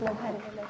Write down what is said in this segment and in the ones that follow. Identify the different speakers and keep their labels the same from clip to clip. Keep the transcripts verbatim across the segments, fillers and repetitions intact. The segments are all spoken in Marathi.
Speaker 1: भारी झालं.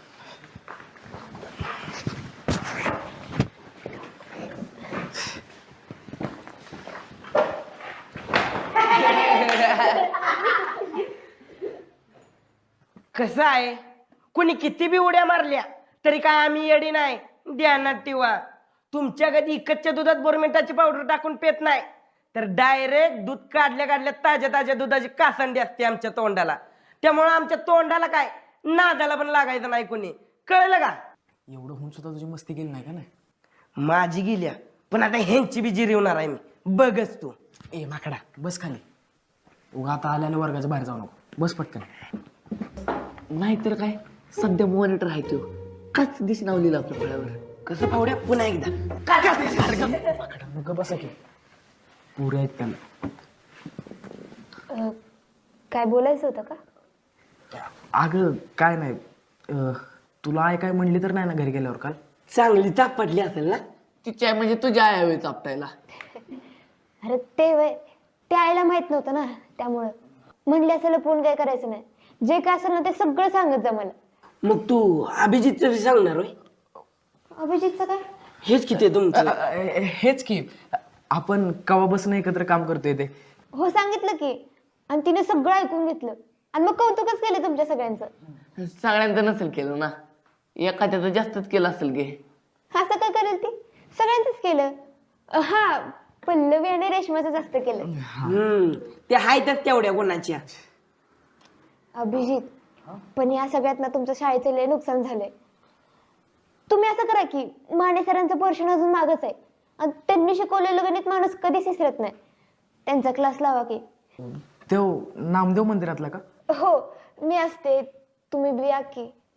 Speaker 2: कसं आहे, कुणी किती बी उड्या मारल्या तरी काय आम्ही येडी नाही. ध्यानात ठेवा, तुमच्या कधी इकतच्या दुधात बोरमिंटाची पावडर टाकून पेत नाही, तर डायरेक्ट दूध काढल्या काढल्या ताज्या ताज्या दुधाची कासंडी असते आमच्या तोंडाला. त्यामुळं आमच्या तोंडाला काय नादाला पण लागायचं नाही कुणी. कळलं का?
Speaker 3: एवढं होऊन सुद्धा तुझी मस्ती केली नाही का? नाही
Speaker 2: माझी गेल्या, पण आता ह्यांची बी जिरवणार आहे मी. बघच तू.
Speaker 3: ए माकडा बस खाली. उगा आता आल्याने वर्गाच्या बाहेर जाऊ नको. बस पटकन. नाहीतर काय, सध्या मॉनिटर आहे तो काच दिस नावलेला आपल्या फळ्यावर.
Speaker 2: कसं पावड्या पुन्हा एकदा काय काय
Speaker 3: माकडा नको बसा की, पुरे आहेत त्याला.
Speaker 1: अं, काय बोलायचं होतं का?
Speaker 3: अगं काय नाही, अं, तुला आई काय म्हणली तर नाही ना घरी गेल्यावर काल?
Speaker 2: चांगली चाप पडली असेल ना?
Speaker 3: तिची आई म्हणजे तुझ्या आई हवी चापटायला.
Speaker 1: अरे ते वय ते आईला माहित नव्हतं ना, त्यामुळं म्हणले असं लपवून काय करायचं नाही. जे काय असेल ना ते सगळं सांगत जा मला.
Speaker 2: मग तू अभिजितचं बी सांगणार होय?
Speaker 1: अभिजितचं काय?
Speaker 2: हेच किती तुमचं.
Speaker 3: अ, अ, हेच की, आपण कवा बसून एकत्र काम करतोय ते.
Speaker 1: हो सांगितलं की, आणि तिने सगळं ऐकून घेतलं आणि मग कौतुकच केलं तुमच्या सगळ्यांचं.
Speaker 4: सगळ्यांचं नसेल केलं ना, एखाद्याचं जास्तच केलं असेल गे.
Speaker 1: असं काय करेल ती? सगळ्यांचंच केलं. अं, हा पल्लवी आणि रेशमाचं जास्त केलं.
Speaker 2: हम्म ते आहेतच तेवढ्या गुणाच्या.
Speaker 1: अभिजित, पण या सगळ्यात ना तुमचं शाळेचं लय नुकसान झालंय. तुम्ही असं करा की, माने सरांचं पोर्शन अजून मागच आहे आणि त्यांनी शिकवलेलं गणित माणूस कधीच विसरत नाही. त्यांचा क्लास लावा की.
Speaker 3: तो नामदेव मंदिरातला का?
Speaker 1: हो मी असते, तुम्ही बी या की.